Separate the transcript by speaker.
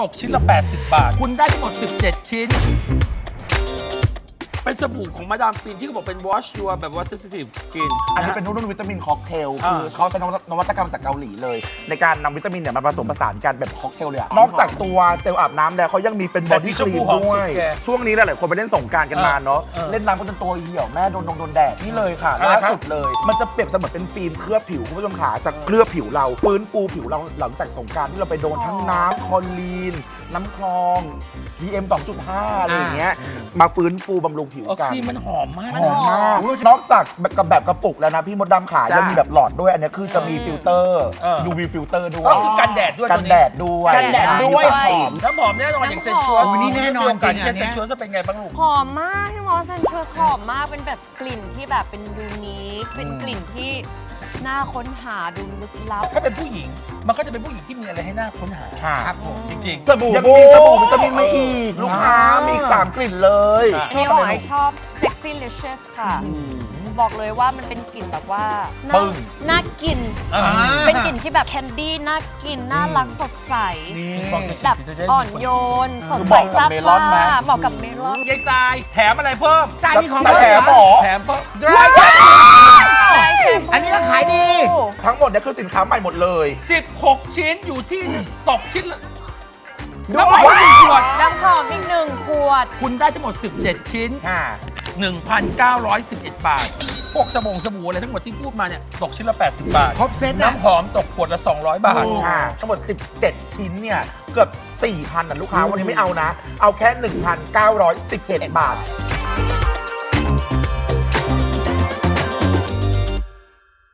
Speaker 1: ตกชิ้นละ 80 บาท คุณได้ทั้งหมด 17 ชิ้น เป็นสบู่ของมาดามฟินที่เขาบอกเป็น wash your แบบว่า sensitive skin
Speaker 2: อันนี้เป็นรุ่นวิตามินค็อกเทลคือเขาใช้นวัตกรรมจากเกาหลีเลย ในการนำวิตามินเนี่ยมาผสมผสานกันแบบค็อกเทลเลยอะนอกจากตัวเจลอาบน้ำแล้วเขายังมีเป็นบอดี้ครีมด้วยช่วงนี้หลายๆคนไปเล่นสงกรานต์กันมาเนาะเล่นน้ำก็จนตัวเหี่ยวแม่โดนแดดนี่เลยค่ะล่าสุดเลย มันจะเปรียบเสมือนเป็นฟิล์มเคลือบผิวคุณผู้ชมขาจะเคลือบผิวเราฟื้นฟูผิวเราหลังจากสงกรานต์ที่เราไปโดนทั้งน้ำคลอรีนน้ำคลอง PM 2.5 อะไรอย่างเงี้ยมาฟื้นฟูบำรุงผิวกัน
Speaker 1: ครีมมันหอมมาก
Speaker 2: หอมมากนอกจากแบบกระปุกแล้วนะพี่มดดำขายังมีแบบหลอดด้วยอันนี้คือจะมีฟิลเตอร์ UV ฟิลเตอร์ด้วย
Speaker 1: ก็คือกันแดดด้วย
Speaker 2: กันแดดด้วย
Speaker 3: กันแดดด้วย
Speaker 2: หอม
Speaker 1: น้ำหอมแน่นอนอย่างเซนชัว
Speaker 3: โอ้ยนี่แน่นอนจริงอันเนี้
Speaker 1: เซน
Speaker 3: ย
Speaker 1: ชัวจะเป็นไงบ้างลูก
Speaker 4: หอมมากพี่มอสเซนชัวหอมมากเป็นแบบกลิ่นที่แบบเป็นยูนิคเป็นกลิ่นที่น่าค้นหาดูลึกลับ
Speaker 1: ถ้าเป็นผู้หญิงมันก็จะเป็นผู้หญิงที่มีอะไรให้น่าค้นหา
Speaker 2: ค่ะ
Speaker 1: ครับผมจริง
Speaker 2: สบู่ยังมีสบู่วิตามินมาอีกลูกค้ามีอีก3กลิ่นเลย
Speaker 4: นี่หอยชอบ sexy licious ค่ะ บอกเลยว่ามันเป็นกลิ่นแบบว่าน่า
Speaker 2: ปึ้ง
Speaker 4: น่ากิน
Speaker 1: ๆอ่า
Speaker 4: เป็นกลิ่นที่แบบแคนดี้น่ากิน น่ารักสดใส
Speaker 2: นี่
Speaker 4: แบบอ่อนโยน สด
Speaker 2: คือ
Speaker 4: ใส
Speaker 2: เหมาะกับ
Speaker 4: ซา
Speaker 2: เมลอนไหม
Speaker 4: บเหมาะกับเมลอน
Speaker 1: ยายตายแถมอะไรเพิ่ม
Speaker 3: ใช่มีของ
Speaker 2: แต่แถมหมอ
Speaker 1: แถมเพิ่ม dry shampoo
Speaker 3: อันนี้ก็ขายดี
Speaker 2: ทั้งหมดเนี่ยคือสินค้าใหม่หมดเลย
Speaker 1: 16 ชิ้นอยู่ที่ตกชิ้นละ
Speaker 2: ดู
Speaker 1: น้ำหอม
Speaker 2: ว้า
Speaker 1: 1ขวด
Speaker 4: น้ำหอมอีก1 ขวด
Speaker 1: คุณได้ทั้งหมด 17 ชิ้น
Speaker 2: ค่ะ
Speaker 1: 1,911 บาท พวกสบู่อะไรทั้งหมดที่พูดมาเนี่ยตกชิ้นละ 80 บาท
Speaker 3: ครบเซตนะ
Speaker 1: น้ำหอมตกขวดละ 200 บาท
Speaker 2: ค่ะทั้งหมด 17 ชิ้นเนี่ย เกือบ 4,000นะลูกค้า วันนี้ไม่เอานะ เอาแค่ 1,911 บาท